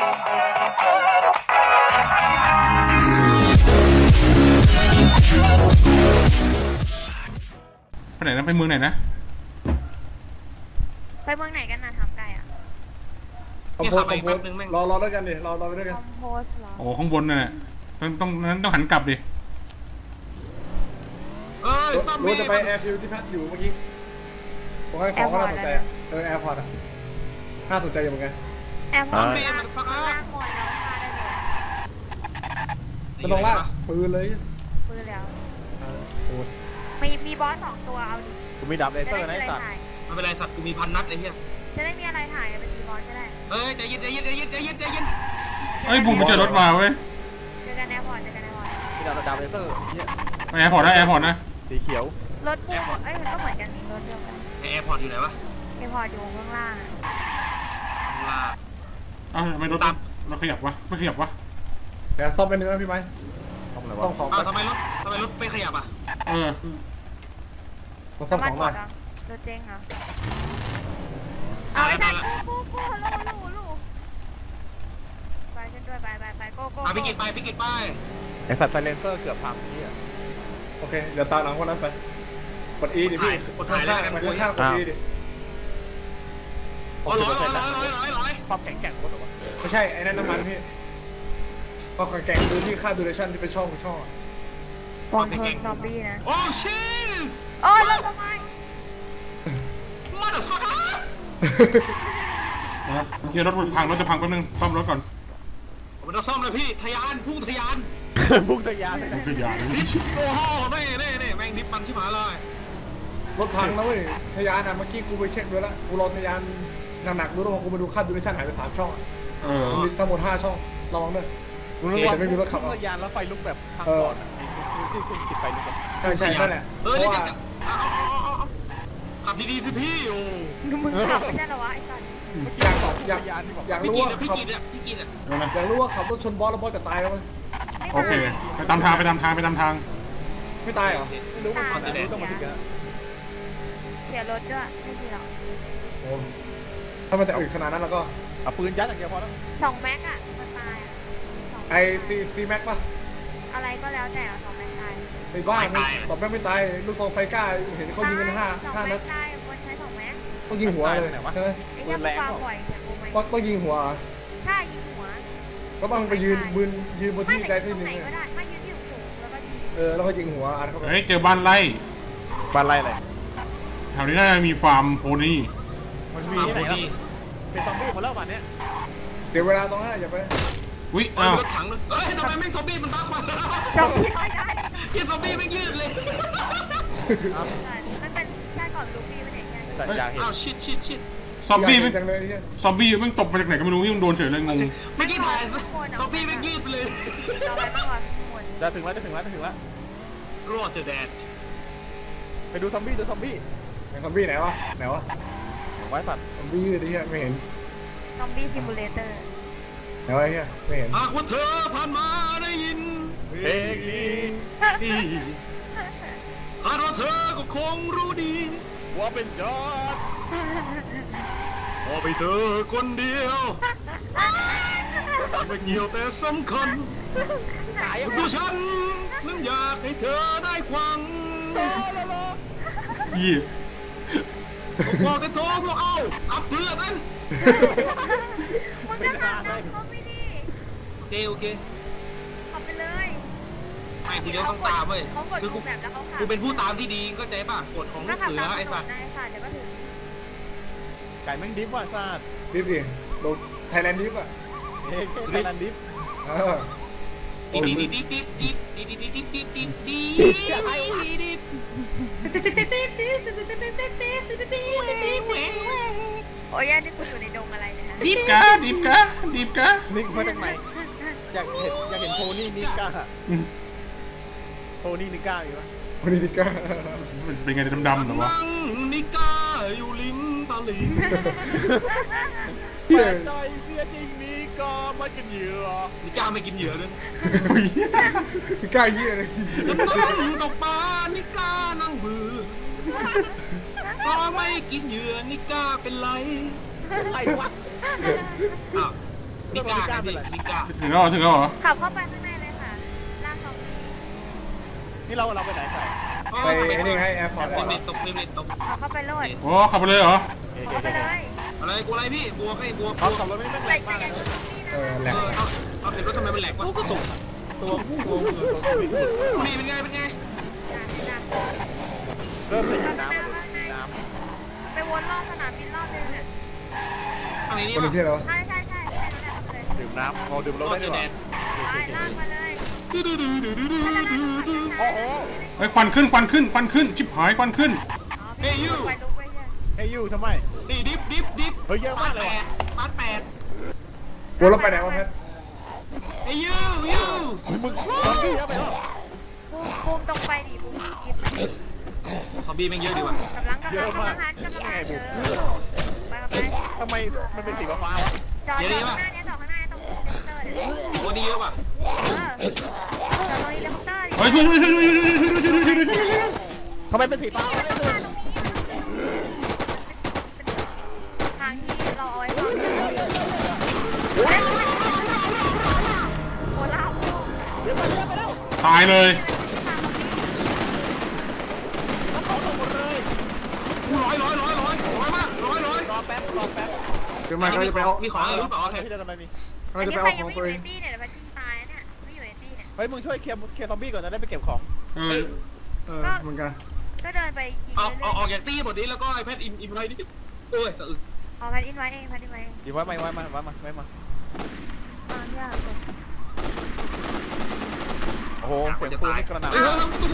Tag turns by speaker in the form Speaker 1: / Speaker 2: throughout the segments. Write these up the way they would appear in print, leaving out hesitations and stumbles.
Speaker 1: ไปไหนนะไปเมืองไหนนะ
Speaker 2: ไปเมืองไหนกันนะทำไกลอ่ะ
Speaker 3: คอมโพสรอด้วยกันดิรอไปด้วยกัน
Speaker 2: คอมโพสเหรอ
Speaker 1: โอ้ข้างบนน่ะต้องหันกลับดิ
Speaker 3: รู้จะไปแอร์ฟิวที่พักอยู่เมื่อกี้ผมให้ของก็น่าสนใจแอร์พอร์ตน่าสนใจอยู่เหมือนกัน
Speaker 2: แอร์พอร์ตล่างหมดแล้วพาได้เลย
Speaker 3: มันต้องลากปืนเลย
Speaker 2: ปืนแล้ว
Speaker 3: โอ้
Speaker 2: มีบอส2 ตัวเอาดิ
Speaker 4: กูมีดับเลเซอร์นะไอ้สัตว์
Speaker 5: ไม่เป็นไรสัตว์กูมี1,000 นัดไอ้เหี้ย
Speaker 2: จะได้มีอะไรถ่ายไปตีบอสก็ได้
Speaker 5: ใจเย็น
Speaker 1: ไอ้บูมมันเจอรถมาเว้ย
Speaker 2: เจอกันแอร์พอร์ต
Speaker 4: มีดับเลเซอร์เนี่ย
Speaker 1: แอร์พอร์ตนะ
Speaker 4: สีเขียว
Speaker 2: รถพุ่งมันก็เหมือนกันนี่รถเดียวกัน
Speaker 5: แอร์พอร์ตอยู่ไหนวะ
Speaker 2: แอร์พอร์ตอยู่ข้างล่าง
Speaker 1: ไม่รถเราขยับวะไม่ขยับวะ
Speaker 3: แต่ซ่อมไปนึงนะพี่ไม้
Speaker 4: ต้อง
Speaker 3: ของ
Speaker 5: ทำไมรถไม่ขยับอ่ะ
Speaker 3: มาซ่อมของหน่อย
Speaker 2: รถเจ๊งเหรอเอาไปได้กูลูไปกันด้วยไปโก้
Speaker 5: พี่กินไป
Speaker 4: ไอ้สัตว์ไซเลนเซอร์เกือบพังนี่
Speaker 3: โอเคเดี๋ยวตามหลังคนนั้นไปกด E ดิพี่กดข้างๆกดE ดิ
Speaker 5: ร้อย
Speaker 4: ความแข็งแกร่งรถหรอวะ
Speaker 3: ไม่ใช่ไอ้นั่นน้ำมันพี่ก็แข็งดูที่ค่าดูเรชั่นที่เป็นช่อง
Speaker 2: วางเพิ่มซอมบี้นะ
Speaker 5: โอ้ชิส
Speaker 2: โอ้ยรถทำไม
Speaker 5: มาเดือดฟัก
Speaker 1: นะเดี๋ยวรถพังรถจะพังแป๊บนึงซ่อมรถก่อน
Speaker 5: มันจะซ่อมเลยพี่พุ่งทะยาน
Speaker 4: โอ้โห
Speaker 5: นี่แม่งดิบมันชิบหายเลย
Speaker 3: รถพังนะเว้ยทะยานเมื่อกี้กูไปเช็คด้วยละกูรอทะยานหนักๆดูแล้วกูมาดูค่าดูเรชั่นหายไป3 ช่องมีทั้งหมด5 ช่องระวังด้วย
Speaker 4: แต่ไม่มีรถขับทะยานแล้วไฟลุกแบบทางก่อนที่คุณติดไฟลุก
Speaker 3: ใช่นั่นแหละ
Speaker 5: นี่ขับดีๆสิพี่โอ้
Speaker 2: มึงขับไม่ได้หรอวะไอ้สัตว์
Speaker 3: อยากรู้ว่าขับอยากรู้ว่าขับรถชนบอสแล้วบอสจะตายไหม
Speaker 1: โอเคไปตามทางไม่ต
Speaker 3: ตายเหรอไม่รู้
Speaker 2: มันต้องมาถึงกันเสียรถด้วยไม่ดีหรอก
Speaker 3: ถ้ามันจะอึดขนาดนั้นแล้วก็
Speaker 4: เอาปืนยัดอย่างเดียวพอแล้ว
Speaker 2: 2 แม็กอะมันตาย
Speaker 3: ไอซีแม็กป่ะ
Speaker 2: อะไรก็แล้วแต่2 แม็กตาย
Speaker 3: ไอ้บ้า2 แม็กไม่ตายลูกซองไฟก้าเห็นเขายิงกัน5 นัด
Speaker 2: ตายคนใช้2 แม็ก
Speaker 3: ต้องยิงหัวเลยใช่ไหม
Speaker 2: ปืนแรง
Speaker 3: ต้องยิงหัว
Speaker 2: ถ้ายิงหัว
Speaker 3: ก็ต้องไปยืนบนที่ใดที่หนึ่ง
Speaker 2: ก็ได้ไม่ยืนที่สูงแล้วก็ยิง
Speaker 3: แล้วก็ยิงหัวอัดเข้าไป
Speaker 1: เจอบ้านไร่
Speaker 4: อะไร
Speaker 1: แถวนี้น่าจะมีฟาร์มโพนี่
Speaker 4: มันมีที่ไหนครับเป็นซอมบี้หมดแล้ววันนี้
Speaker 3: เดี๋ยวเวลาตรงนั้นอย่าไป
Speaker 1: วิ
Speaker 5: รถถังเลยทำไมไม่ซอมบี้มันบ้าควัน
Speaker 2: ซอมบี้ไม่ได้
Speaker 5: ยิงซอมบี้ไม่ยืดเลย
Speaker 2: มันเป็นแค่ก่อนลูฟี่มันเองไง
Speaker 5: อ้าวชิด
Speaker 1: ซอมบี้มันตกมาจากไหนก็ไม่รู้ที่มันโดนเฉยเลยงง
Speaker 5: ไม่กี่ถ่ายซอมบี้ไม่ยืดไปเลย
Speaker 4: จะถึงแล้ว
Speaker 5: รอดจะแดด
Speaker 4: ไปดูซอมบี้
Speaker 3: ซอมบี้ไหนวะ
Speaker 4: ไว้สัตว์
Speaker 3: ซอมบี้ยืดดิไม่เห็น
Speaker 2: ซอมบี้ซิมูเลเตอร์
Speaker 3: ไหนวะเฮียไม่เห็น
Speaker 5: หากว่าเธอผ่านมาได้ยินเพลงนี้หากว่าเธอก็คงรู้ดีว่าเป็นยอดพอไปเธอคนเดียวไม่เกี่ยวแต่สำคัญดูฉันนั้นอยากให้เธอได้ฟัง
Speaker 1: ยี่
Speaker 5: บอกกันโถ่พวกเอาขับเพื่อกัน
Speaker 2: มึงจะขับตามเขาไม่ดี
Speaker 5: โอเค
Speaker 2: ขับไปเลย
Speaker 5: ไม่ทีเดียวต้องตามเว้ยคือกูเป็นผู้ตามที่ดีก็ใจป่ะกฎของลูกเสือไอ้สัตว์
Speaker 2: เดี๋ยวก็ถึง
Speaker 4: ไก่แม่งดิฟว่ะซาด
Speaker 3: ดิฟดิโดนไทยแลนด์ดิฟอ่ะ
Speaker 4: ไทยแลนด์ดิฟ
Speaker 5: โอ้
Speaker 2: ยนี่กูอยู่ในดงอะไรเนี่ย
Speaker 1: ดิบกะ
Speaker 4: นิกมาจากไหนอยากเห็นโพนี่นิก้าอยู่ปะ
Speaker 3: โพนี่นิก้า
Speaker 1: เป็นไงดำๆหรอวะ
Speaker 5: นิก้าอยู่ลิ้นตาหลิง
Speaker 4: ใจเสียจริงนิก้าไม่กินเหยื่อ
Speaker 5: นิก้าไม่กินเหยื่อเลย
Speaker 3: นิก้าเหี้ยเลย
Speaker 5: ต้องตกปลานิก้านั่งเบื่อก็ไม่กินเหยื่อนิก้าเป็นไร
Speaker 4: ไอ้วะ
Speaker 5: มิก้าไงพี่มิก้า
Speaker 1: ถึงแล้วเหรอ
Speaker 2: ขับเข้าไปข้างในเลยค่ะลากซอมบี้
Speaker 4: นี่เราไปไหนใส่
Speaker 3: ไปนี่ไงแอร์พอร์ต
Speaker 5: เล่นตกเล่นตก
Speaker 2: ขับเข้าไปโลด
Speaker 1: โอ้ขับไปเลยเหรอ
Speaker 2: ขับไปเลย
Speaker 5: อะไรกูอะไรพี่บัวให้บัว
Speaker 4: เขาขับรถไม่แร
Speaker 2: ใส่
Speaker 4: ง
Speaker 2: ใจ
Speaker 4: มาก
Speaker 2: อย่างนี้
Speaker 3: แหลก
Speaker 5: เอาเห็นรถทำไมมันแหลกวะ
Speaker 4: ก็ตกตัว
Speaker 5: นี่เป็นไงเป็นไง
Speaker 4: เริ่มเป็น
Speaker 2: ขับ
Speaker 4: น้
Speaker 2: ไปน้ำไปวนรอบสนามบินรอบนึงเนี่ย
Speaker 5: ทางนี้นี่
Speaker 3: คน
Speaker 5: ป่ะ
Speaker 3: ที่เรา
Speaker 2: ใช่เลย
Speaker 4: ำดื่มน้ำพอดื่มรถได้ด้วย
Speaker 2: ไปลากมาเลย
Speaker 4: โอ้โห
Speaker 1: ไอ้ควันขึ้นชิบหายควันขึ้น
Speaker 2: ไปลุกไปเนี่ย
Speaker 4: ไอ้ยูทำไม
Speaker 5: นี่ดิฟ
Speaker 4: เฮ้ยเยอะมากเลย
Speaker 5: ปาดแปด
Speaker 3: วนเราไปไหนวะแพท
Speaker 5: ไอ้ยู
Speaker 4: มึงซอมบี้เยอะไปหรอ
Speaker 2: บูมตรงไปดิบูมหยิบ
Speaker 5: ซอมบี้แม่งเยอะดีว่ะ
Speaker 2: กำลังไป
Speaker 4: ทำไมมันเป็นสีฟ้าวะ
Speaker 2: จอดข้างหน้านี้จอดข้างหน้าตรงเฮลิคอปเตอร์เนี่ย
Speaker 5: โอ้นี่เยอะว่ะ
Speaker 2: จอดตรงเฮลิคอปเตอร์ดิ
Speaker 1: เฮ้ยช่วย
Speaker 4: ทำไมเป็นสีฟ้า
Speaker 2: ทางที่เราเอาไว้ก่อนโคลาโบ
Speaker 4: เยอะไปแล้ว
Speaker 1: ตายเลย
Speaker 4: เขาตกหมดเลย
Speaker 5: ร้อยมากร้อย
Speaker 4: รอแป๊บ
Speaker 3: เดี๋ยวมาเขาจะไปเอา
Speaker 5: มีของอะไรหรือเปล่า
Speaker 4: พี่จะทำอะไรนี่
Speaker 3: เขา
Speaker 2: อัน
Speaker 3: จะ
Speaker 2: นี้
Speaker 3: ไป
Speaker 2: ใคร
Speaker 3: เอา
Speaker 2: ยั
Speaker 3: ของ
Speaker 2: งไม่อ
Speaker 3: ตัว
Speaker 2: ยู่
Speaker 3: เอ
Speaker 2: ใน
Speaker 3: ง
Speaker 2: ตี้เนี่ยเดี๋ยวมันจิ้มตายเนี่ยไม่อยู่ในตี้เนี่ย
Speaker 4: เฮ้ยมึงช่วยเคลียร์ซอมบี้ก่อนจะได้ไปเก็บของ
Speaker 3: เหมือนกัน
Speaker 2: ก็เดินไปยิง
Speaker 5: เอา
Speaker 2: เรื่อย
Speaker 5: ออกจากตี้หมดนี้แล้วก็ไอแพดอินไว้นิดโอ้ยสะอึก
Speaker 2: ๆเอาแพทอินไว้เองแพทอินไว้เอง
Speaker 4: ดีไว้มา
Speaker 2: ยากเลย
Speaker 4: โอ้โหเสียงปืนกระหน่ำ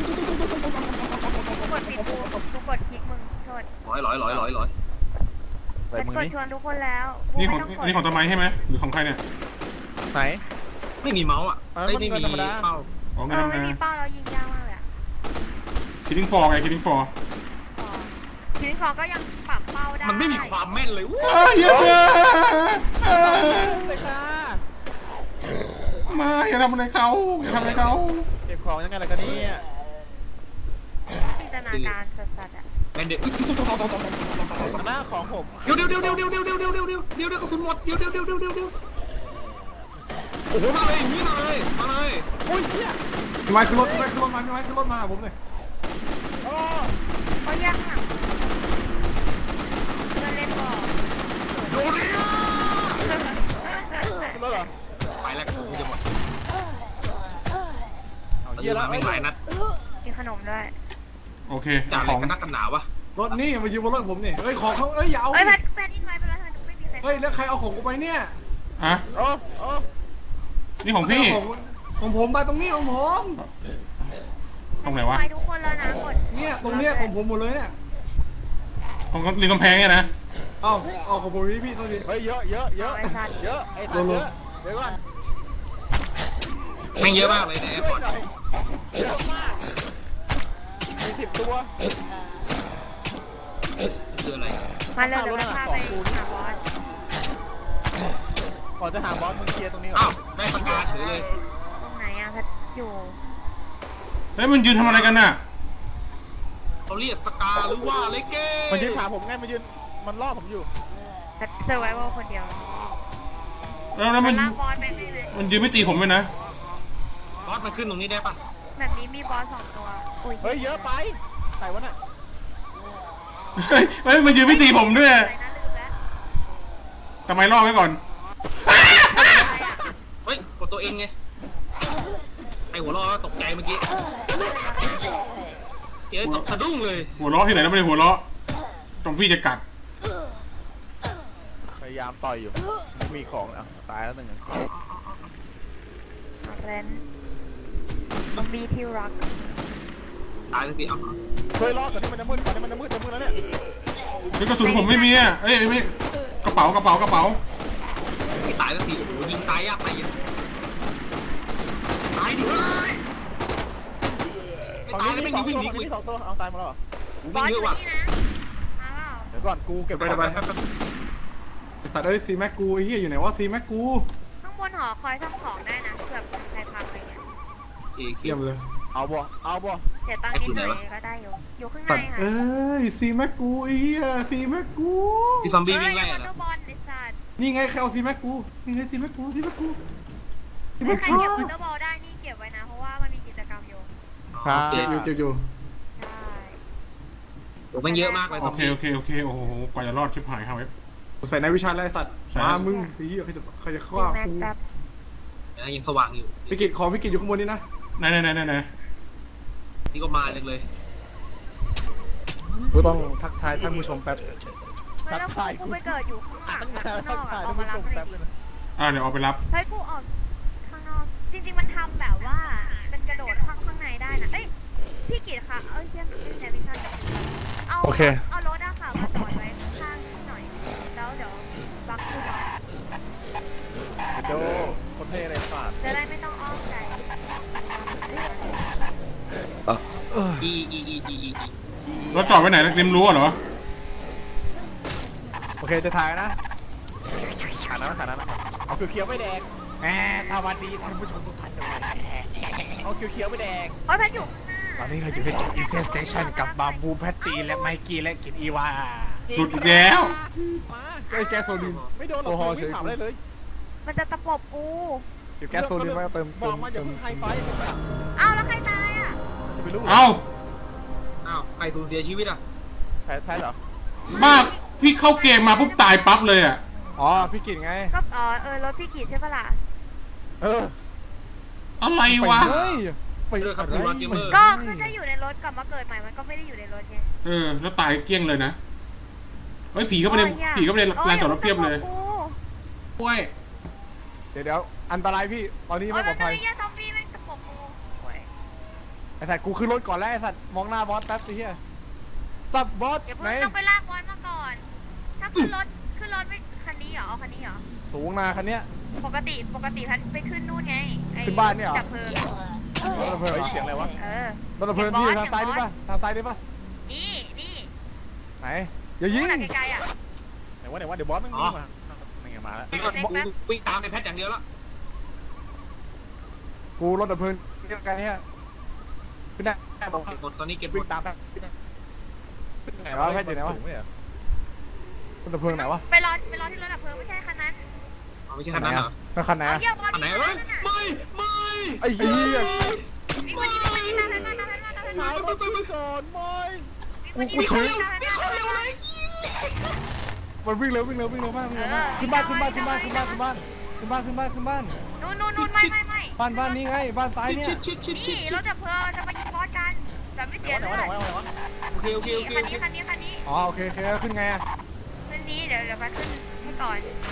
Speaker 2: กูกดผิดกูกดคลิกมึงโทษ
Speaker 5: ร้อย
Speaker 4: ไป
Speaker 2: เป็น
Speaker 4: มึง
Speaker 2: กด
Speaker 4: นี่
Speaker 2: ชวนทุกคนแล้ว
Speaker 1: นี่ของต้นไม้ใช่ไหมหรือของใครเนี่ย
Speaker 4: ไหน
Speaker 5: ไม่มีเมาส์อ่ะไม่มีเป้า
Speaker 1: ของ
Speaker 2: เอ
Speaker 1: งั้
Speaker 2: อน ไม่มี
Speaker 1: นะ
Speaker 2: เป้าเรายิงยากมากเลยอะ
Speaker 1: คิดดิ้งฟอร์ไงคิดดิ้งฟอร์
Speaker 2: ทีนี้คอก็ยังปรับเป้าได้
Speaker 5: มันไม่มีความแม่นเลย
Speaker 1: เยอะ
Speaker 4: เลยค่ะ
Speaker 1: มาอย่าทำอะไรเขาอย่าทำอะไรเขา
Speaker 4: เก็บของยังไงล่ะกันนี่
Speaker 2: จินตนาการสัสๆอ่ะ
Speaker 5: แมนเด็ก
Speaker 4: หน้าของผม
Speaker 5: เดี๋ยวกระสุนหมดเดี๋ยวโอ้โหมาเลยนี่มาเลย
Speaker 4: อุ้ยเชี่ย
Speaker 3: พี่ไม้ขึ้นรถมาผมเลย
Speaker 4: โอ้
Speaker 2: ก็ยากหนักเดินเล่นบอล
Speaker 5: โดนเลย
Speaker 4: ขึ้นรถเหรอ
Speaker 5: ไปแล้วกระสุนจะหมด
Speaker 4: เอาเยี่ยแล้ว
Speaker 5: ไม่หลายนัด
Speaker 2: กินขนมด้วย
Speaker 1: โอเค
Speaker 5: จ่าอะไร
Speaker 1: ของ
Speaker 5: กันนักกันหนาวะ
Speaker 3: รถนี่มายืมบนรถผมนี่เฮ้ยของเขาอย่าเอา
Speaker 2: เอ้ยแพทอินไว้ไปแล้วไม่มีใคร
Speaker 3: เฮ้ยแล้วใครเอาของกูไปเนี่ย
Speaker 1: อ่ะ
Speaker 4: โอ้โอ้
Speaker 1: นี่ของพี่
Speaker 3: ของผมไปตรงนี้ของผม
Speaker 1: ตรงไหนวะ
Speaker 2: ไปทุกคนแล้วนะกด
Speaker 3: เนี่ยตรงเนี้ยของผมหมดเลยเนี่ย
Speaker 1: ของริมกำแพงเนี่ยนะ
Speaker 3: เอาของผมพี่โทษที
Speaker 4: เฮ้ยเยอะไอ้ตัดเยอะเดี๋ยวก่อน
Speaker 5: แม่งเยอะมากเลยในแอร์พอร์ต
Speaker 4: เยอะมากมี10 ตัว
Speaker 5: คืออะไร
Speaker 2: มาเลยเดี๋ยวพาไปหาบอส
Speaker 4: ก่อนจะหาบอสมึงเคลียร์ตรงนี้ก่อ
Speaker 5: อ้าวน ได้ปากกาเฉยเลย
Speaker 2: ตรงไหนอ่ะแพทอยู่
Speaker 1: เฮ้ยมันยืนทำอะไรกันน่ะ
Speaker 5: เขาเรียกสกาหรือว่าเลเก้
Speaker 4: มันยืนถามผมไงมันล่อผมอยู่
Speaker 2: แพทเซอร์ไวเวอร์คนเดียว
Speaker 1: แล้วมัน
Speaker 2: ลากบอสไปไหนเลย
Speaker 1: มันยืนไม่ตีผมเลยนะ
Speaker 5: บอสมันขึ้นตรงนี้ได้ปะ
Speaker 2: แบบนี้มีบอส2 ตัวอุ้ย
Speaker 4: เฮ้ยเยอะไปใส่วะน่ะ
Speaker 1: เฮ้ยมันยืนไม่ตีผมด้วย
Speaker 2: อะไรนะลืมแล้ว
Speaker 1: ทำไมล่อไว้ก่อน
Speaker 5: เฮ้ยกดตัวเองไงไอหัวล้อตกใจเมื่อกี้เดี๋ยวตกสะดุ้งเลย
Speaker 1: หัวเราะที่ไหนแล้วไม่ได้หัวเราะตรงพี่จะกัด
Speaker 4: พยายามต่อยอยู่มีของอ่ะตายแล้วหนึ่ง
Speaker 2: เรนมันมีที่รัก
Speaker 5: ตายสักทีเอา
Speaker 4: เฮ้ยรอก่อนที่มันจะมืดแล้วเนี่ย
Speaker 1: เฮ้ยกระสุนผมไม่มีอ่ะเอ้ยไม่กระเป๋า
Speaker 5: ไม่ตายสักทีโอ้โหยิงตายยากไปเยอะตายดิไม่ตายแล้วไม่ยิงวิ่งหนีกู
Speaker 4: ที่2 ตัวเอาตายมาแล้ว
Speaker 5: กู
Speaker 2: บอ
Speaker 5: วิ่ง
Speaker 2: ส
Speaker 5: เย
Speaker 2: อยู่
Speaker 5: อะว่ะ
Speaker 2: นี่นะมาเปล่า
Speaker 4: เดี๋ยวก่อนกูเก็บ
Speaker 3: ไปไอ้สัตว์เอ้ยซีแม็กกูไอ้เหี้ยอยู่ไหนวะซีแม็กกู
Speaker 2: ข้างบนหอคอยทำของได้นะเผื่อใครพังอะไรเงี้ย
Speaker 3: เยี่ยมเลย
Speaker 4: เอาบ่
Speaker 2: เสียตังค์นิดหน่อยก็ได้อยู่ข้างใน
Speaker 3: ตัด
Speaker 2: ค่ะ
Speaker 3: เอ้ยซีแม็กกูไอ้เหี้ยซีแม็กกู
Speaker 5: ที่ซอมบี้วิ่งไล่
Speaker 2: เฮ้ย
Speaker 5: อะ
Speaker 2: วอเตอร์บอลไอ้สัตว์
Speaker 3: นี่ไงใครเอาซีแม็กกูนี่ไงซีแม็กกูซีแม็กกูซีแม็ก
Speaker 2: ใคร
Speaker 3: กู
Speaker 2: เก็บวอเตอร์บอลได้นี่เก็บไว้นะเพราะว่ามันมีกิจกรรมอยู่
Speaker 4: ครับ
Speaker 3: เก็บอยู่
Speaker 2: ใช่
Speaker 5: ผมมันเยอะมากเลย
Speaker 1: โอเคโอ้โหกว่าจะรอดชิบหายครับเว็บ
Speaker 3: ใส่ในวิชาอะไรสัตว์มามึงไอ้เหี้ยใครจะฆ่า
Speaker 2: แม็ก
Speaker 3: กู
Speaker 2: แบบ
Speaker 5: ยังสว่างอยู่
Speaker 3: พิกิตของพิกิตอยู่ข้างบนนี่นะ
Speaker 1: ไหน
Speaker 5: นี่ก็มาเลย
Speaker 3: กูต้องทักทายท่านผู้ชมแป๊บ
Speaker 2: ไม่แล้วกูไปเกิดอยู่ข้างหลังข้างนอกอะออกมารับเลย
Speaker 1: เดี๋ยวเอาไปรับ
Speaker 2: เฮ้ยกูออกข้างนอกจริงๆมันทำแบบว่าเป็นกระโดดข้างในได้นะเอ้ยพี่กิตคะเอ้ยเชี่ยไม่ใช่ไม่ใช่เอารถอะค่ะมาจอดไว้ข้างๆหน่อยแล้วเดี๋ยวบักกูหน่อย
Speaker 4: โดคนเท่เลยฝาด
Speaker 2: จะได้ไม่ต้องอ้อมใจ
Speaker 5: อี
Speaker 1: รถจอดไว้ไหนริมรั้วเหรอ
Speaker 4: โอเคจะถ่ายนะถ่ายนะเอาเขียวไม่แดงแหมสวัสดีท่านผู้ชมทุกท่านด้วยเอาเขียวไม่แดง
Speaker 2: โอ้ยแพทอยู่ข้างหน้า
Speaker 4: ตอนนี้เราอยู่ในจุด Infestation กับบาบูแพตตีและไมกี้และกินอีวา
Speaker 1: สุดอีกแล้ว
Speaker 4: มา
Speaker 3: ไอ้แก๊สโซลิน
Speaker 4: ไม่โดนหรอกไม่ถามอะไรเลย
Speaker 2: มันจะตะปบกู
Speaker 3: เก็บแก๊สโซลินไว้เติม
Speaker 4: บอกมาอย่าเพิ่งไฮไฟกันนะ
Speaker 2: อ้าวแล้วใครตายอ่ะ
Speaker 4: ไม่รู้
Speaker 1: เอ้า
Speaker 5: ใครสูญเสียชีวิตอ่ะ
Speaker 4: แพ้เหรอ
Speaker 1: บ้าพี่เข้าเกมมาปุ๊บตายปั๊บเลยอ่ะ
Speaker 3: อ๋อพี่กิตไง
Speaker 2: ก็รถพี่กีดใช่ปะล่ะ
Speaker 1: อะไรวะ
Speaker 3: ไป
Speaker 5: เรื่องครับคุณรอนเกมเมอร์
Speaker 2: ก็คือถ้าอยู่ในรถกลับมาเกิดใหม่มันก็ไม่ได้อยู่ในรถไง
Speaker 1: แล้วตายเกลี้ยงเลยนะเฮ้ยผีเข้าไปในลานจอดรถเพียบเลยโอ้ย
Speaker 3: เดี๋ยวอันตรายพี่ตอนนี้ไม่ปลอดภัย
Speaker 2: โอ้ยซอมบี้แม่งตะปบกูโอ้ย
Speaker 3: ไอ้สัตว์กูขึ้นรถก่อนแล้วไอ้สัตว์มองหน้าบอสแป๊บสิเฮียตับบอส
Speaker 2: อย่า
Speaker 3: ไหน
Speaker 2: เพิ่งต้องไปลากบอลมาก่อน ถ้าขึ้นรถไม่คันนี้เหรอเอาคันนี้เหรอ
Speaker 3: สูงนาคันเนี้ย
Speaker 2: ปกติพันไปขึ้นนู่นไงดับเพลิง
Speaker 3: รถเพลิง
Speaker 4: เสียงอะไรวะ
Speaker 3: รถเพลิงพี่ทางซ้ายได้ปะทางซ้ายได้ปะ
Speaker 2: นี่
Speaker 3: ไหนอย่ายิง
Speaker 2: ไกลๆอ่ะ
Speaker 4: ไหนวะเดี๋ยวบอสมันวิ่งมานี่ไงมาแล้ว
Speaker 5: วิ่งตามในแพทอย่างเดียวแล้ว
Speaker 3: กูรถดับเพลิงเรียกกันเนี้ยขึ้นได้บอก
Speaker 5: หมดตอนนี้เก็บ
Speaker 4: วิ่งตามไป
Speaker 3: ไหนวะแพทย์อยู่ไหนวะรถดับเพลิงไหนวะ
Speaker 2: ไปรอที่รถดับเพลิงไม่ใช่คันนั้น
Speaker 5: ไม่ใช่คันนั้นเหรอ
Speaker 3: แล้วคันไหน
Speaker 2: เอา
Speaker 3: อะ
Speaker 2: เยี่ยมบอล
Speaker 5: คันไหน
Speaker 2: นี่
Speaker 5: เอ้ย
Speaker 2: นั่นน่ะ
Speaker 5: ไม่
Speaker 3: ไอ้เหี้ย
Speaker 2: วิ่งมานี่ตามไป
Speaker 4: หารถไปก่อนไม่
Speaker 2: มันวิ่งเร็วเลย
Speaker 3: มันวิ่งเร็วมากขึ้นบ้านนู่น
Speaker 2: ไม่
Speaker 3: บ้านนี้ไงบ้านซ้ายเนี่ย
Speaker 2: นี่รถดับเพลิงจะมายิงบอสกันแบบไม่เสียเลือด
Speaker 5: โอเค
Speaker 2: คันนี้
Speaker 3: อ๋อโอเคขึ้นไงอะ
Speaker 2: คันนี้เดี๋ยวมาขึ้นให้ก่อน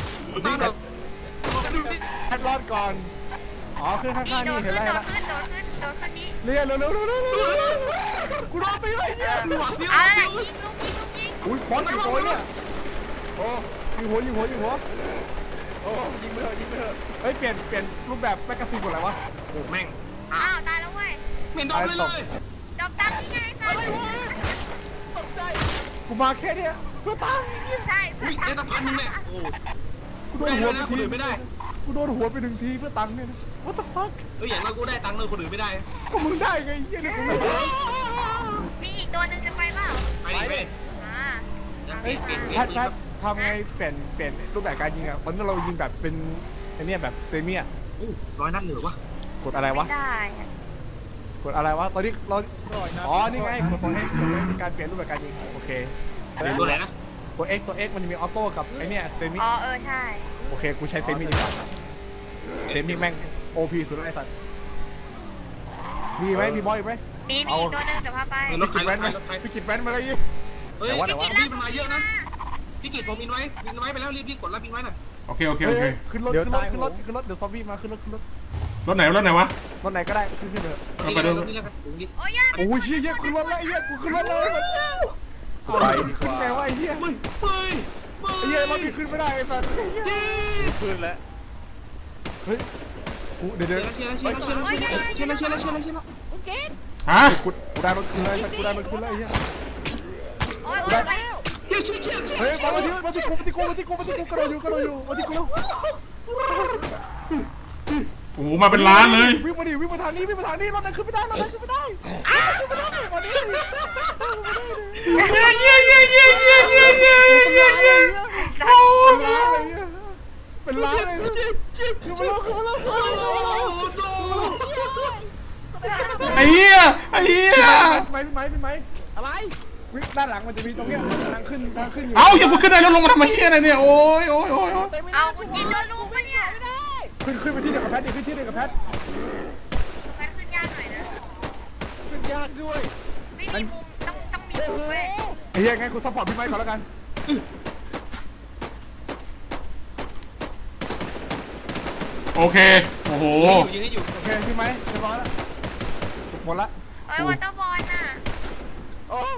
Speaker 3: แพทย์รอดก่อนอ๋อขึ้นข้างๆ
Speaker 2: โด
Speaker 3: นี่
Speaker 2: น
Speaker 3: เห็น
Speaker 2: ขึ้น
Speaker 3: แล้ว
Speaker 2: โดนขึ้นนี้
Speaker 3: เรียเร็วกูโดนตีเลยเนี่ย
Speaker 2: เอาแล้วยิงลูกยิง
Speaker 3: อุ้ยบอลกี่ตัวเนี่ยโอ้ยิงหัวโอ้ยิงไปเถอะเฮ้ยเปลี่ยนรูปแบบแมกกาซีนหมดเลยวะ
Speaker 5: โอ้แม่ง
Speaker 2: อ้าวตายแล้วเว้ย
Speaker 5: ไม่โดนเลย
Speaker 2: ดอกตังนี่ไงตาย
Speaker 4: ตกใจ
Speaker 3: กูมาแค่เนี้ยเพื่อตาย
Speaker 2: ใช่
Speaker 5: วิ่งได้ตั้งพันนึงเนี่ยโอ้
Speaker 3: กูโดนหัวไป
Speaker 5: คนอื่นไม่ได้
Speaker 3: กูโดนหัวไป1 ทีเพื่อตังค์เนี่ย What the fuck
Speaker 5: อย่างเรากูได้ตังค์เลยคนอื่นไม่ได้
Speaker 3: ก็มึงได้ไงเหี้ยเนี่ย
Speaker 2: มีอีกตัวหนึ่งจะไปเปล่า
Speaker 5: ไป
Speaker 3: แพททำไงเปลี่ยนรูปแบบการยิงอ่ะตอนนี้เรายิงแบบเป็นไอเนี้ยแบบเซมิอ่ะ
Speaker 5: 100 นัดเหลือวะ
Speaker 3: กดอะไรวะ
Speaker 2: ไม่ได้
Speaker 3: กดอะไรวะตอนนี้เราอ๋อนี่ไงกดตัว X มีการเปลี่ยนรูปแบบการยิงโอเค
Speaker 5: ตัวไหนนะ
Speaker 3: ตัว X มันจะมีออโต้กับไอเนี้ยเซมิ
Speaker 2: อ๋อใช่
Speaker 3: โอเคกูใช้เซมิดีกว่าเซมิแม่ง OP สุดเลยไอ้สัตว์มีไหมมีบอยไหม
Speaker 2: มีอีกตัวหนึ่งเดี๋ยวพาไป
Speaker 5: รถใครรถใครรถใคร
Speaker 3: พี่กิดแว้นมาเลยยี่
Speaker 5: เฮ้ยพี่กิจมันมาเยอะนะพี่กิจผมอินไว้ไปแล้วรีบกดรับอินไว้หน่อย
Speaker 1: โอเค
Speaker 3: ขึ้นรถเดี๋ยวซอมบี้มาขึ้นรถ
Speaker 1: รถไหนวะ
Speaker 3: รถไหนก็ได้ขึ้นเถอะ
Speaker 5: นี่เลยนี่เลย
Speaker 2: โอ้ย
Speaker 3: โอ้ยเหี้ยขึ้นรถแล้วเหี้ยกูขึ้นรถเลยไปขึ้นไงวะไอ้เหี้ยไอ้เหี้ยรถนี่ขึ้นไม่ได้ไอ้สัตว์
Speaker 4: ขึ้นแล้ว
Speaker 3: เฮ้ยกูเดี๋ยว
Speaker 5: เชียร์
Speaker 1: ฮะ
Speaker 3: กูได้รถขึ้นเลยกูได้รถขึ้นเลยไอ้เหี้ย
Speaker 2: โอ้ย
Speaker 3: เฮ้ยมาที่กูกระโดดอยู่มาที่กู
Speaker 1: โอ้โหมาเป็นล้านเลย
Speaker 3: วิ่งมาทางนี้รถนั้นขึ้นไม่ได้มาดิ
Speaker 4: เป็นล้านเลยขึ้นมาแล้ว
Speaker 1: ไอ้เหี้ย
Speaker 4: ไหมอะไรด้านหลังมันจะมีตรงเนี้ยทางขึ้นอยู่
Speaker 1: เอ้าอย่ากูขึ้นได้แล้วลงมาทำไมเหี้ยอะไรเนี่ยโอ้ย
Speaker 2: เอาคุณยินโดนลูกปะเนี่ย
Speaker 4: ขึ้นไปที่เดียวกับแพทดิขึ้นที่เดียวกับแพท
Speaker 2: แพทขึ้นยากหน่อยนะ
Speaker 4: ขึ้นยากด้วย
Speaker 2: ไม่มีมุมต้องมีมุมเว้ย
Speaker 4: ไอ้เหี้ยงั้นกูซัพพอร์ตพี่ไม้ก่อนแล้วกัน
Speaker 1: โอเคโอ้โห
Speaker 5: ยิงให้อยู่
Speaker 4: โอเคพี่ไม้เรียบร้อยแล้วหมดละ
Speaker 2: เอ้ยวอเตอร์บอลน่ะ
Speaker 4: โอ้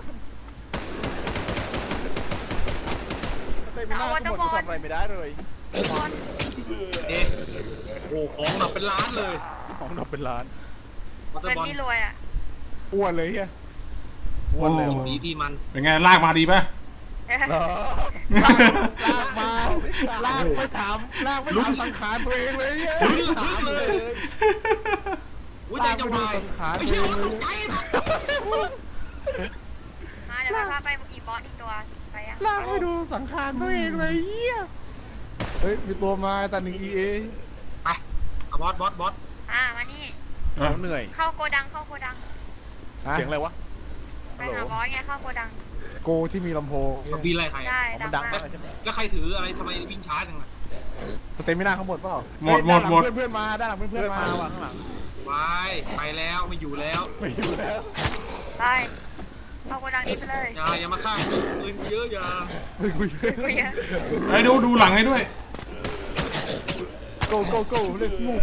Speaker 4: ไม่น่าหมดกูทำอะไรไม่ได้เลย
Speaker 2: บอล
Speaker 5: เอ๊ะโอ้ของแบบเป็นล้านเลย
Speaker 4: ของดอกเป็นล้าน
Speaker 5: มอเตอ
Speaker 2: เป็น
Speaker 5: ร์บอล
Speaker 2: นี่รวยอ่ะ
Speaker 4: อ้วนเลยเฮียอ้วนเลย
Speaker 5: ดีที่มัน
Speaker 1: เป็นไงลากมาดีป่ะ
Speaker 4: ลากมาลากไม่ถามสังขารตัวเองเลยเฮียถามเลย
Speaker 5: อุ้ยใจจะวาย
Speaker 4: สังขาร
Speaker 5: ไม่
Speaker 4: ตัว
Speaker 5: ใช่
Speaker 4: เอง
Speaker 5: ว่าตกใจนะ
Speaker 2: มาเดี๋ยวไปพาไปอีบอสอีกตัวไปยัง
Speaker 4: ลากไปดูสังขารตัวเองเลยเฮียเฮ้ยมีตัวมาแต่1 EA
Speaker 5: ไปเอาบอส
Speaker 2: มานี่
Speaker 4: เหนื่อย
Speaker 2: เข้าโกดัง
Speaker 4: เสียงอะไรวะ
Speaker 2: ไปหาบอสไงเข้าโกดัง
Speaker 4: โกที่มีลำโพง
Speaker 5: มันบินอะไรใคร
Speaker 2: ได้
Speaker 4: มันดังมากใช่ไหม
Speaker 5: แล้วใครถืออะไรทำไมวิ่งช้าจังล่ะ
Speaker 4: สเตมิน่าเขาหมดเปล่า
Speaker 1: หมด
Speaker 4: เพื่อนมาด้านหลังเพื่อนมาว่ะข้างหลัง
Speaker 5: ไปแล้วไม่อยู่แล้ว
Speaker 4: ไม่อยู่แล้ว
Speaker 2: ไปเข้าโกดังนี้ไปเลย
Speaker 5: อย่ามาฆ่าปืนเยอะอย่า
Speaker 4: ไม่คุย
Speaker 2: คุยอะ
Speaker 1: ไอ้ดูหลังให้ด้วย
Speaker 4: go let's move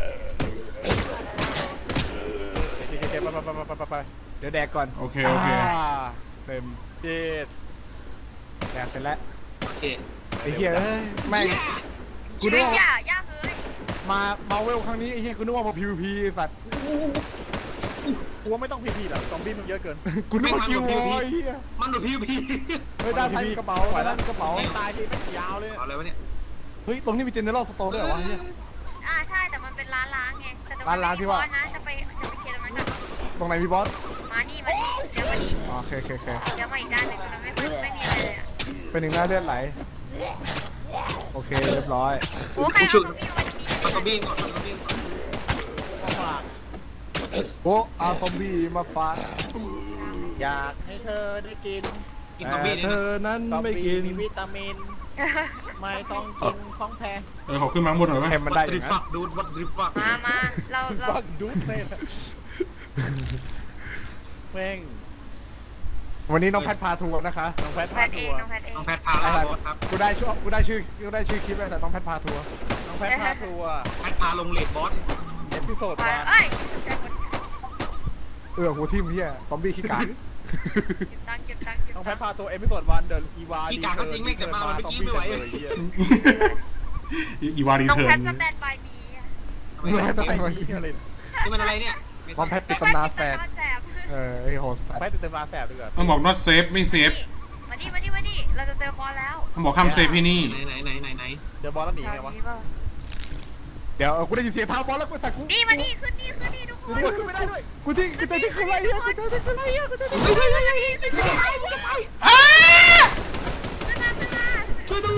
Speaker 4: ไปเดี๋ยวแดกก่อน
Speaker 1: โอเค
Speaker 4: เต็มเจ็ดแดกเสร็จแล้ว
Speaker 5: โอเค
Speaker 4: ไอ้เหี้ยแม่งกู
Speaker 2: ชี
Speaker 4: นึ
Speaker 2: วิ
Speaker 4: ก
Speaker 2: ต
Speaker 4: ว่า
Speaker 2: ยากเลย
Speaker 4: มาเวลครั้งนี้ไอ้เหี้ยกูนึกว่ามา PVP สัตว์กูว่าไม่ต้อง PVP หรอกซอมบี้มันเยอะเกินกูนึกว่าคิววอยเหี้ย
Speaker 5: มันดูพี่
Speaker 4: เฮ้ยด้านซ้ายมีกระเป๋าด้านกระเป๋าตายทีไม่ยาวเลย
Speaker 5: เอาอะไรวะเนี่ย
Speaker 4: เฮ้ยตรงนี้มี General Store ด้วยเหรอวะเนี่ย
Speaker 2: ใช่แต่มันเป็นร้านล้างไงแต่
Speaker 4: ร้านที่ว่า
Speaker 2: นะจะไปเคลียร์ตรงนั้นกัน
Speaker 4: ตรงไหนมีบอส
Speaker 2: มานี่เดี๋ยวมานี่
Speaker 4: โอเค
Speaker 2: เดี๋ยวมาอีกด้านหนึ่งมันไม่มีอะไรเลยอ่ะ
Speaker 4: เป็นหนึ่งหน้าเลือดไหลโอเคเรียบร้อย
Speaker 2: โอ้ใครเอาของพี่มาที่นี่
Speaker 5: เอากระบี่ก่อนเอากระบี่ก่อน
Speaker 4: โอ้อาซอมบี้มาฟาด
Speaker 6: อยากให้เธอได้กิน
Speaker 5: กินกระบี่
Speaker 4: เธ
Speaker 5: เนี่ย
Speaker 4: อนั้น
Speaker 6: ซอม
Speaker 4: ไม่
Speaker 6: บี้
Speaker 4: กิน
Speaker 6: มีวิตามิน ไม่ต้องกินของแพง
Speaker 1: ขอขึ้นมาข้างบนหน่อยไหม
Speaker 4: ให้มันได้อ
Speaker 5: ดริ
Speaker 4: ย่าง
Speaker 5: ป
Speaker 4: นั้
Speaker 5: ฟั
Speaker 4: น
Speaker 5: กดูดวัดดริปฟัก
Speaker 2: มาเรา
Speaker 4: บักดูดเลย
Speaker 6: แม่ง
Speaker 4: วันนี้น้องแพทพาทัวร์นะคะ
Speaker 6: น้องแพท
Speaker 2: แพ
Speaker 6: พา
Speaker 2: ทเอ
Speaker 6: ทั
Speaker 2: ง
Speaker 6: วร์
Speaker 2: น้องแพทเอง
Speaker 5: น้องแพทพาแล้วครับ
Speaker 4: กูได้ชื่อคลิปแล้วแต่น้องแพทพาทัวร์
Speaker 6: น้องแพทพาทัวร์
Speaker 5: แพทพาลงเลดบอส
Speaker 6: เอพิโซด
Speaker 2: ไป
Speaker 6: วัน
Speaker 2: เอ้ย
Speaker 4: หัวทิ่มเฮียซอมบี้ขี้กาก
Speaker 2: เก็บตังค์
Speaker 6: น้องแพทพาทัวร์เอพิโซดวันเดินอีวา
Speaker 5: พี่กาก็จริงไม่แต่มามันเมื่อกี้ไม่ไหว
Speaker 1: อีวารี
Speaker 2: น้อง
Speaker 1: เทิ
Speaker 2: แพ
Speaker 1: ร์
Speaker 2: ท
Speaker 1: น
Speaker 2: สแตนบายมี
Speaker 4: น้องแพทแต่งมา
Speaker 6: อะไร
Speaker 5: นี่มันอะไรเนี่ย
Speaker 4: น้องแพทปิดตำนานแฝดไอ้โหส
Speaker 6: แพทติดเต็มมาแสบดีกว่า
Speaker 1: มันบอก not safe ไม่ safe
Speaker 2: มาดิเราจะเจอบอลแล้ว
Speaker 1: มันบอกห้ามเซฟที่นี่
Speaker 5: ไหน
Speaker 6: เดี๋ยวบอลแล้วหนีไงวะ
Speaker 4: เดี๋ยวกูได้ยินเสียงเท้าบอลแล้วกูสักกู
Speaker 2: นี่มานี่ขึ้นนี่ทุกคน
Speaker 4: ขึ้นไม่ได้ด้วยกูที่ขึ้นอะไรเฮียกูที่ขึ้นอะไรเฮียกูที่
Speaker 2: ขึ้นมา
Speaker 5: ช่วยดู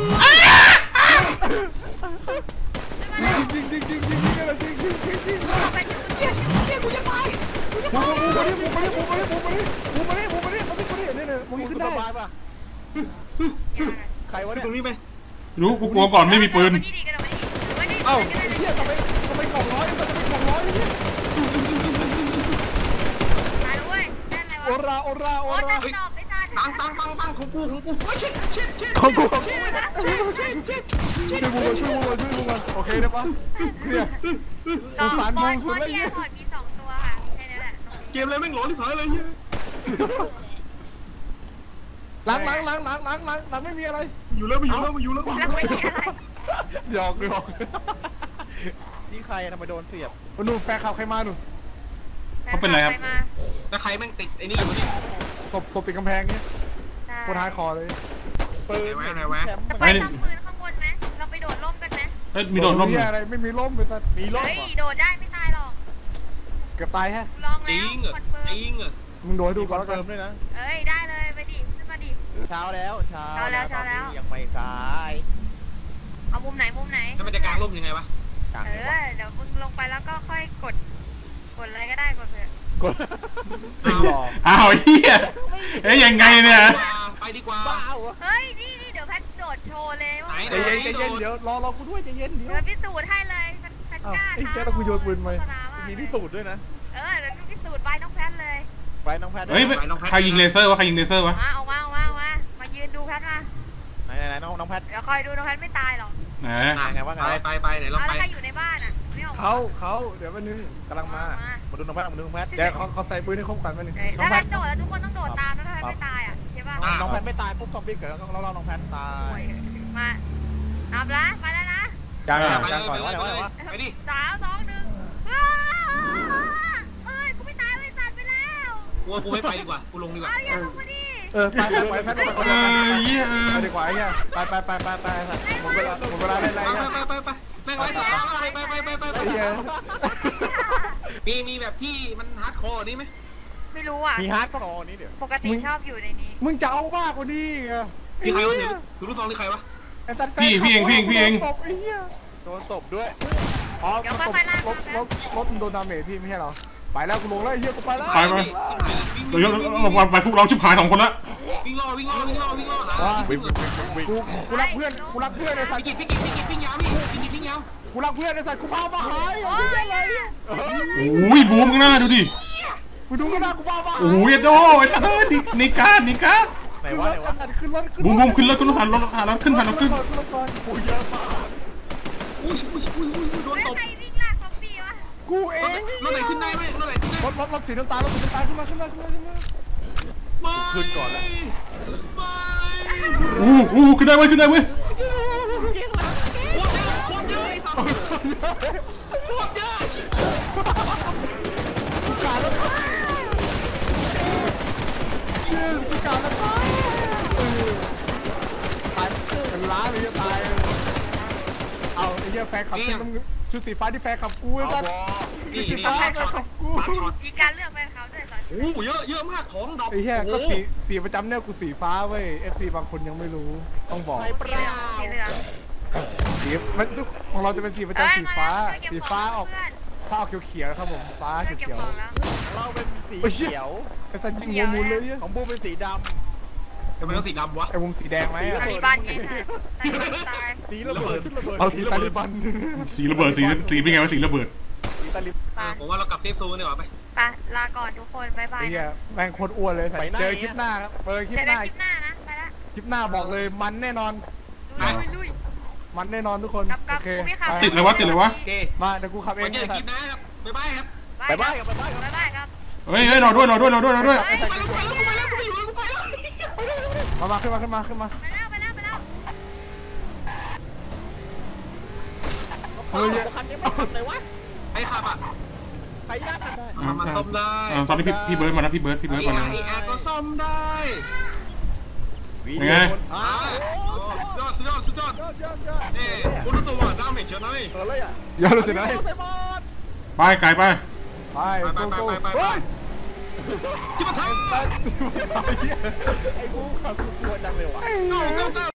Speaker 4: จริงอะไรจริง
Speaker 2: ไปถึง
Speaker 4: มึงขึ้นได้
Speaker 6: บายป่ะใครวะเนี่ย
Speaker 5: ตรงนี้ไป
Speaker 1: รู้กูกลัวก่อนไม่มีปืน
Speaker 2: มานี่กระโดดมานี่
Speaker 4: เอ้าเฮียทำไมกล่องร้อยเนี่ย
Speaker 2: มาด้วยได้ไหม
Speaker 4: โอ
Speaker 2: วะ
Speaker 4: รา
Speaker 2: โอ้ตัดดอกไอ้ตัด
Speaker 5: ตังของกูชิด
Speaker 4: ของกูช่วยมึงโอเคได้ปะเนี่ย
Speaker 2: บอลที่แอร์พอร์ตมี2ตัวค่ะแค่นั้นแหละ
Speaker 5: เกมอะไรแม่งหลอนที่ผายเลยเนี่ย
Speaker 4: ล้างไม่มีอะไร
Speaker 5: อยู่แล้วมันอยู่แล้ว
Speaker 2: แล้วไม่มีอะไร
Speaker 4: หยอก
Speaker 6: นี่ใครทำไมโดนเสียบ
Speaker 4: หนูแฟนข่าวใครมาหนู
Speaker 5: แล้วใครแม่งติดไอ้นี่อยู่นี่
Speaker 4: ศพติดกำแพงเนี่ยโคตรท้ายคอเลย
Speaker 6: ปืน
Speaker 5: ไหนวะ
Speaker 6: แชมป์
Speaker 2: ไปซ่อมปืนข้างบนไหมเราไปโดดร่มกันไหม
Speaker 1: มีโดดร่ม
Speaker 4: อะไรไม่มีร่มเลยสัตว์
Speaker 6: มีร่ม
Speaker 2: เฮ้ย
Speaker 6: เหรอ
Speaker 2: โดดได้ไม่ตายหรอก
Speaker 4: เกือบตายฮะ
Speaker 2: ลอง
Speaker 5: จ
Speaker 2: แล้
Speaker 5: ริ
Speaker 2: ว
Speaker 5: งเหรอ
Speaker 2: คอนเฟิร์
Speaker 5: จ
Speaker 2: ม
Speaker 5: ริงเหรอ
Speaker 4: มึงโดนดู
Speaker 6: มีค
Speaker 4: ก่อน
Speaker 6: อน
Speaker 4: แล้วกั
Speaker 6: เฟิ
Speaker 4: น
Speaker 6: ร์มด้วยนะ
Speaker 2: เอ้ยได้เลยไปดิขึ้นมาดิ
Speaker 6: เช้าแล้ว
Speaker 2: เช้าแล้ว
Speaker 6: ยังไม่สาย
Speaker 2: เอามุมไหนมุมไหน
Speaker 5: ถ้ามันจะกางร่มยังไงวะ
Speaker 2: เดี๋ยวมึงลงไปแล้วก็ค่อยกดอะไรก็ได้กดเถอะ
Speaker 4: กด
Speaker 1: อ้าวเฮียเอ้ยยังไงเนี่ย
Speaker 5: ไปดีกว่า
Speaker 4: บ้าวะ
Speaker 2: เฮ้ยนี่เดี๋ยวแพทโดดโชว์เลยว่า
Speaker 4: ใจเย็นใจเย็นเดี๋ยวรอกูด้วยใจเย็นเดี๋ยว
Speaker 2: เดี๋ยวพิสูจน์ให้เลยแพทกล้า
Speaker 3: ไอ้แกแล้วกูโยนปืนไป
Speaker 4: มีพิสูจน์ด้วยนะ
Speaker 2: เดี๋ยวพิสูจน์ไปน้องแพทเลย
Speaker 4: ไปน้องแพท
Speaker 1: เฮ้ยใครยิงเลเซอร์วะใครยิงเลเซอร์วะ
Speaker 2: เอามายืนดูแพทมา
Speaker 4: ไหนน้องแพท
Speaker 2: เดี๋ยวคอยดูน้องแพทไม่ตายหรอก
Speaker 1: ไหน
Speaker 4: ไงว่าไง
Speaker 5: ไปไหนลอง
Speaker 2: เอา
Speaker 5: ไป
Speaker 2: แล้วใครอยู่ในบ้านอ่ะไม่ออก
Speaker 3: เขาเดี๋ยวแป๊บนึงกำลังมา
Speaker 4: มาดูน้องแพทมาดูน้องแพท
Speaker 3: เดี๋ยวเขาใส่ปืนให้ครบกันแป๊บนึง
Speaker 2: ถ้าแพทโดดแล้วทุกคนต้องโดดตามนะถ้าแพทไม่ตายอ่ะใช่ป่ะ
Speaker 4: น้องแพทไม่ตายปุ๊บซอมบี้เกิดแล้วเราน้องแพทตาย
Speaker 2: มานับละไปแล้วนะ
Speaker 3: กลาง
Speaker 5: ไป
Speaker 3: กลางก่อน
Speaker 5: ไปดิ
Speaker 2: 3 2 1เอ้ยกูไม่ตายไม่สั่นไปแล้ว
Speaker 5: กูไม่ไปดีกว่ากูลงดีกว่า
Speaker 2: เอาอย่าลงมาดิ
Speaker 3: ไปแพทย์ไปดีกว่าไอ้เหี้ยไปหมดเวลาได้ไรเนี่ย
Speaker 5: ไปมีแบบที่มันฮาร์ดคอร์นี่ไหม
Speaker 2: ไม่รู้อ่ะ
Speaker 4: มีฮาร์ดก็รอนี้เดี๋ยว
Speaker 2: ปกติชอบอยู่ในนี้
Speaker 3: มึงจะเอามากกว่านี้ไง
Speaker 5: มีใครวะถือลูกซองหรือใครวะ
Speaker 1: พี่เอง
Speaker 3: ตบไอ้เหี้ย
Speaker 4: โดนตบด้วย
Speaker 3: อ๋อรถโดนดาเมจพี่ไม่ใช่เหรอไปแล้วกูลงแล้วไอ้เหี้ยกูไปแล้ว
Speaker 1: ไปเราไปพวกเราชิบหาย2 คนละ
Speaker 5: วิ่งล่อวิ่ง
Speaker 3: กูรักเพื่อนในสัตว์
Speaker 5: พี่กิจวิ่งยาวพี่วิ่งยาว
Speaker 3: กูรักเพื่อนในสัตว์กูพามาหาย
Speaker 2: โอ้ย
Speaker 1: โอ้ยบูมข้างหน้าดูดิ
Speaker 3: กูดูกันนะกูพามา
Speaker 1: โอ้ยโดไอ้สัตว์ในการ
Speaker 4: ไหนวะ
Speaker 3: ขึ้นรถ
Speaker 1: บูมขึ้นรถผ่านรถขึ้น
Speaker 3: กูเยอะมาก
Speaker 5: อุ้ยโดนตบ
Speaker 2: ใครวิ่งลากซอมบี้วะ
Speaker 3: กูเอง
Speaker 5: รถไหนขึ้นได้ไหมรถไหนขึ้นได้
Speaker 3: รถสีน้ำตาลขึ้นมา
Speaker 4: ขึ้นก่อนแล้ว
Speaker 1: ขึ้นได้เว้ย
Speaker 5: โคตรเยอะ
Speaker 3: ตายเป็นล้านเลยจะตายเอาไอ้เหี้ยแฟนขับชุดสีฟ้าที่แฟนขับกูไอ้สัส
Speaker 5: นี่
Speaker 3: สีฟ้าแฟนขับกู
Speaker 2: มีการเลือกไปเขาด้วยตอน
Speaker 5: โอ้โหเยอะมากของดอก
Speaker 3: ไอ้เหี้ยก็สีประจำเนี่ยกูสีฟ้าเว้ย FC บางคนยังไม่รู้ต้องบอก
Speaker 2: สีเหลือง
Speaker 3: สีมันของเราจะเป็นสีประจำสีฟ้าออกถ้าออกเขียวๆครับผมฟ้า
Speaker 2: เก็บ
Speaker 3: เขียว
Speaker 2: ของแล้ว
Speaker 4: เราเป็นสีเขียว
Speaker 3: ไอ้สันยิงงูมูลเลยเนี่ย
Speaker 4: ของบูเป็นสีด
Speaker 5: ทำไมต้องสีดำวะ
Speaker 3: ไอ้มุมสีแดงไหม
Speaker 2: ตาลีบันไงตาย
Speaker 4: ำสีระเบิด
Speaker 3: เอาสีตาลิบัน
Speaker 1: สีระเบิดสีเป็นไงวะสีระเบิด
Speaker 4: สีตาลิบ
Speaker 5: ผมว่าเรากลับเซฟโซนดีกว่าไป
Speaker 2: ไปลาก่อนทุกคนบ๊ายบาย
Speaker 3: ไอ้เหี้ยแม่งโคตรอ้วนเลยเจอคลิปหน้าครับคลิป
Speaker 2: เจอ
Speaker 3: ห
Speaker 2: กัน
Speaker 3: น้า
Speaker 2: คลิปหน้านะไปละ
Speaker 3: คลิปหน้าบอกเลยมันแน่นอน
Speaker 2: ลุย
Speaker 3: มันแน่นอนทุกคน
Speaker 2: กับ
Speaker 3: โอเค
Speaker 2: กูไม่ขับ
Speaker 1: ติดเลยวะ
Speaker 5: โอเค
Speaker 3: มาเดี๋ยวกูขับเอ
Speaker 5: วั
Speaker 3: ง
Speaker 5: นนี้คลิปนะครับบ๊ายบายครับ
Speaker 4: ไปบ้านกับ
Speaker 2: บ๊ายบายครับ
Speaker 1: เฮ้ยรอด้วย
Speaker 3: มาขึ้นมา
Speaker 2: ไปแล้ว
Speaker 3: เฮ้ย
Speaker 4: คันนี้ไม่ขับเลยวะ
Speaker 5: ใครขับอ่ะ
Speaker 4: ใครยากกันได้
Speaker 5: มาซ่อมได้
Speaker 1: ตอนนี้พี่เบิร์ดมาแล้วพี่เบิร์ดมาแล้ว
Speaker 5: อีอาร์ก็ซ่อมได้
Speaker 1: ยังไง
Speaker 5: สุดยอดนี่คุณรู้ตัวว่าดาเมจเยอะน้อย
Speaker 4: เลยอ่ะ
Speaker 3: อย่ารู้จักไหน
Speaker 1: ไปไกลไป
Speaker 3: ไปเฮ้ย
Speaker 5: ที่มาทำ
Speaker 4: ไอ้บูขับกลัวจังเลยวะ
Speaker 5: go